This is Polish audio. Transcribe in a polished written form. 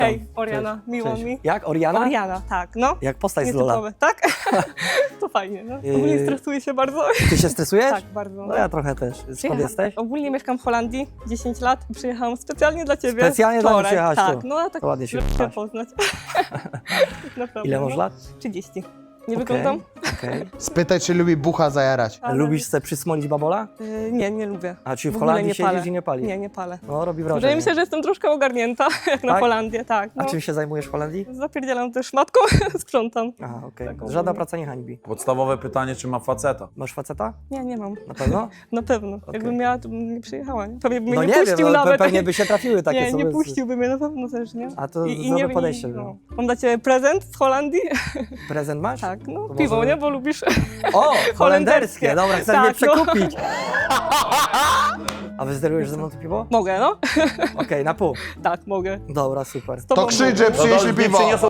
Hej, Oriana, Cześć. miło Cześć. mi. Jak? Oriana? Oriana, tak, no. Jak postać z Lola. Nietypowe, tak? To fajnie, no. Ogólnie stresuję się bardzo. Ty się stresujesz? Tak, bardzo. No ja trochę też. Skąd jesteś? Ogólnie mieszkam w Holandii 10 lat i przyjechałam specjalnie dla ciebie. Specjalnie dla mnie wczoraj. przyjechałaś Tak, tu. no a tak To ładnie się żeby wyraziłaś. poznać. Naprawdę, Ile masz no. lat? 30. Nie Okej, wyglądam? okej. Spytaj, czy lubi bucha zajarać. Ale- Lubisz sobie przysmolić babola? Nie, nie lubię. A czy w ogóle Holandii nie siedzisz palę. i nie palisz? Nie, nie palę. No robi Wydaje wrażenie. mi się, że jestem troszkę ogarnięta, jak na Tak? Holandię, tak. A No. czym się zajmujesz w Holandii? Zapierdzielam też matką, sprzątam. Aha, okej. Tak, Żadna ogólnie. praca nie hańbi. Podstawowe pytanie, czy ma faceta? Masz faceta? Nie, nie mam. Na pewno? Na pewno. Jakbym miała, to bym nie przyjechała. Nie? Pewnie by mnie No nie nie puścił wiem, no, nawet. pewnie by się trafiły takie Nie, sobie. nie puściłby mnie na pewno też, nie? A to zdrowe podejście było. Mam dla ciebie prezent z Holandii. Prezent masz? Tak, no To piwo, może- nie? Bo lubisz. O, holenderskie. Dobra, chcesz mnie Tak, no. przekupić. A wyzderujesz ze mną to piwo? Mogę, no? Okej, na pół. Tak, mogę. Dobra, super. Z tobą To krzycz, mogę. że przynieśli piwo.